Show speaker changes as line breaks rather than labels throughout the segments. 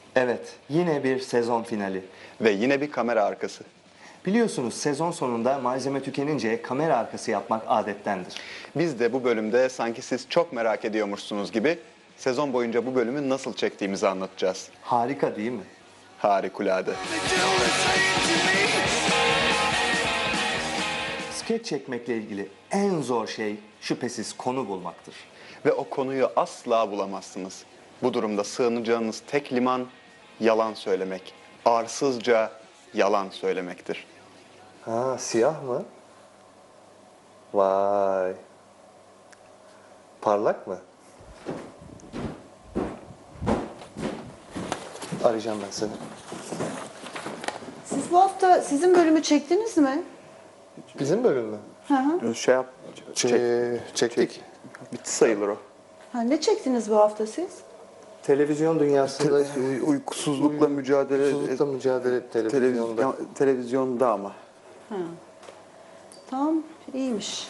Evet, yine bir sezon finali.
Ve yine bir kamera arkası.
Biliyorsunuz sezon sonunda malzeme tükenince kamera arkası yapmak adettendir.
Biz de bu bölümde sanki siz çok merak ediyormuşsunuz gibi sezon boyunca bu bölümü nasıl çektiğimizi anlatacağız.
Harika değil mi?
Harikulade.
Skeç çekmekle ilgili en zor şey şüphesiz konu bulmaktır.
Ve o konuyu asla bulamazsınız. Bu durumda sığınacağınız tek liman yalan söylemek. Arsızca yalan söylemektir.
Ha, siyah mı? Vay. Parlak mı? Arayacağım ben seni.
Siz bu hafta sizin bölümü çektiniz mi?
Bizim bölüm mü?
Hı hı.
Çektik.
Bitti sayılır o.
Ha, ne çektiniz bu hafta siz?
Televizyon dünyasında
Uykusuzlukla mücadele
uykusuzlukla mücadele televizyonda.
televizyonda ama.
Tamam, iyiymiş.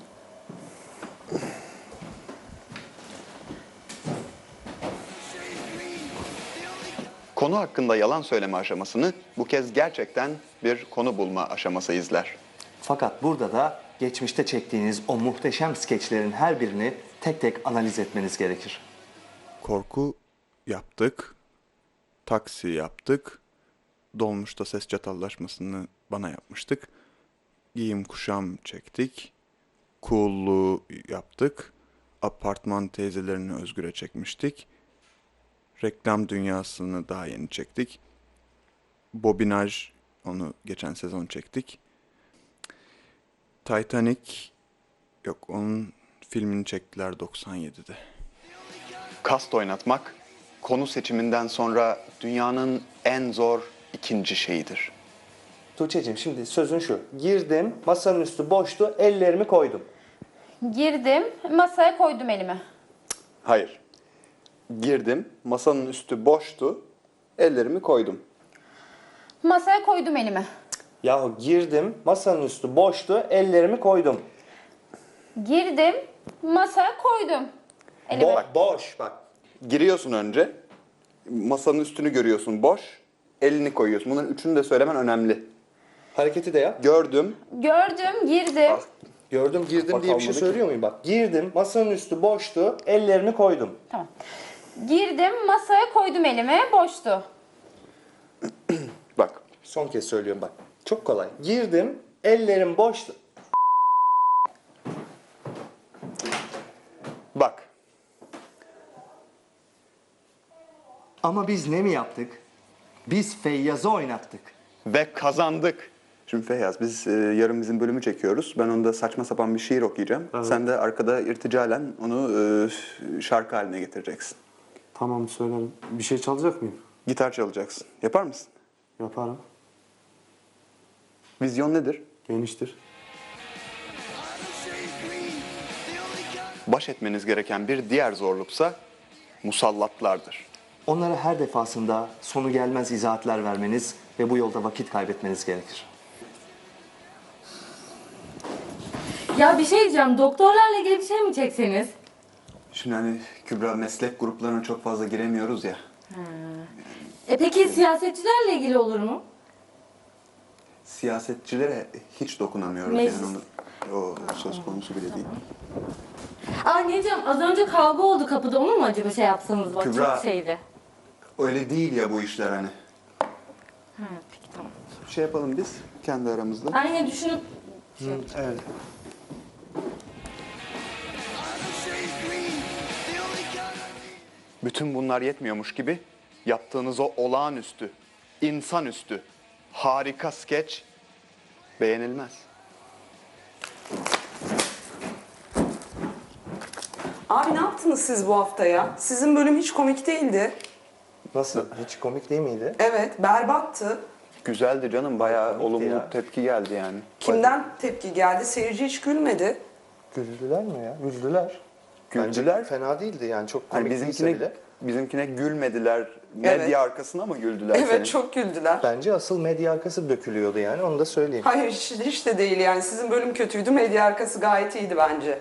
Konu hakkında yalan söyleme aşamasını bu kez gerçekten bir konu bulma aşaması izler.
Fakat burada da geçmişte çektiğiniz o muhteşem skeçlerin her birini tek tek analiz etmeniz gerekir.
Korku yaptık, taksi yaptık, dolmuşta ses çatallaşmasını bana yapmıştık, giyim kuşam çektik, cool'luğu yaptık, apartman teyzelerini Özgür'e çekmiştik, reklam dünyasını daha yeni çektik, bobinaj onu geçen sezon çektik, Titanic yok onun filmini çektiler 97'de.
Kast oynatmak, konu seçiminden sonra dünyanın en zor ikinci şeyidir.
Tuğçe'cim şimdi sözün şu. Girdim, masanın üstü boştu, ellerimi koydum.
Girdim, masaya koydum elimi.
Hayır. Girdim, masanın üstü boştu, ellerimi koydum.
Masaya koydum elimi.
Yahu girdim, masanın üstü boştu, ellerimi koydum.
Girdim, masaya koydum elimi.
Boş bak.
Giriyorsun önce, masanın üstünü görüyorsun boş, elini koyuyorsun. Bunların üçünü de söylemen önemli.
Hareketi de yap.
Gördüm,
Gördüm, girdim.
Gördüm, girdim
Bak,
diye bir şey
kalmadı ki.
söylüyor muyum? Bak girdim, masanın üstü boştu, ellerimi koydum.
Tamam. Girdim, masaya koydum elimi, boştu.
bak.
Son kez söylüyorum bak. Çok kolay. Girdim, ellerim boştu.
Bak,
Ama biz ne mi yaptık? Biz Feyyaz'ı oynattık.
ve kazandık. Şimdi Feyyaz, biz yarın bizim bölümü çekiyoruz. Ben onda saçma sapan bir şiir okuyacağım. Sen de arkada irticalen onu şarkı haline getireceksin.
Tamam söylerim. Bir şey çalacak mıyım?
Gitar çalacaksın. Yapar mısın?
Yaparım.
Vizyon nedir?
Geniştir.
Baş etmeniz gereken bir diğer zorluksa musallatlardır.
Onlara her defasında sonu gelmez izahatler vermeniz ve bu yolda vakit kaybetmeniz gerekir.
Ya bir şey diyeceğim, doktorlarla ilgili bir şey mi çekseniz?
Şimdi hani Kübra meslek gruplarına çok fazla giremiyoruz ya.
Peki siyasetçilerle ilgili olur mu?
Siyasetçilere hiç dokunamıyoruz
Meclis.
yani o söz konusu bile değil.
Aa ne diyeceğim, az önce kavga oldu kapıda, onu mu acaba şey yapsanız bak,
Kübra.
çok şeydi.
Öyle değil ya bu işler hani.
Peki tamam.
Şey yapalım biz kendi aramızda.
Ben yine düşünüp...
Evet.
Bütün bunlar yetmiyormuş gibi yaptığınız o olağanüstü, insanüstü, harika skeç beğenilmez.
Abi ne yaptınız siz bu hafta ya? Sizin bölüm hiç komik değildi.
Nasıl? Hiç komik değil miydi?
Evet, berbattı.
Güzeldi canım, bayağı
Komikti
olumlu
ya.
tepki geldi yani.
Kimden tepki geldi? Seyirci hiç gülmedi.
Güldüler mi ya? Güldüler.
Güldüler.
Bence fena değildi yani çok
Hani
komik değilse bile.
bizimkine gülmediler, medya
Evet.
arkasına mı güldüler
Evet,
senin?
çok güldüler.
Bence asıl medya arkası dökülüyordu yani onu da söyleyeyim.
Hayır, hiç de değil yani. Sizin bölüm kötüydü, medya arkası gayet iyiydi bence.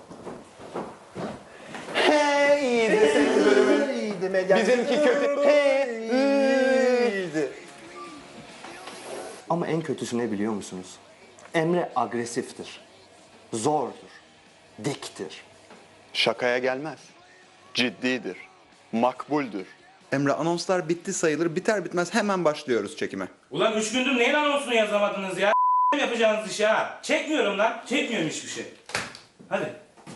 Hey, iyiydi senin bölümün.
İyiydi medya.
Bizimki kötü. Hey,
Ama en kötüsü ne biliyor musunuz? Emre agresiftir, zordur, diktir.
Şakaya gelmez. Ciddidir. Makbuldür. Emre anonslar bitti sayılır. Biter bitmez hemen başlıyoruz çekime.
Ulan 3 gündür neyin anonsunu yazamadınız ya? Yapacağınız işi ha. Çekmiyorum lan. Çekmiyorum hiçbir şey. Hadi.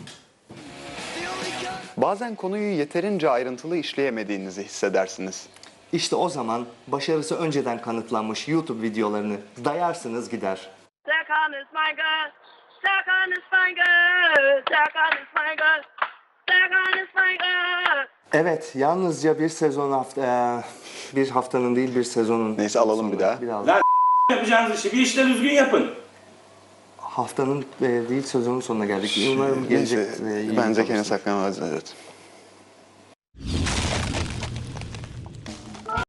Bazen konuyu yeterince ayrıntılı işleyemediğinizi hissedersiniz.
İşte o zaman başarısı önceden kanıtlanmış YouTube videolarını dayarsınız gider.
Suck on this finger, suck on this finger, suck on this finger, suck on this finger.
Evet, yalnızca bir haftanın değil bir sezonun.
Neyse, alalım bir daha.
Biraz
Lan yapacağınız işi bir işte düzgün yapın.
haftanın değil sezonun sonuna geldik. Umarım gelecek.
Neyse, bence kendini saklamaz. Evet.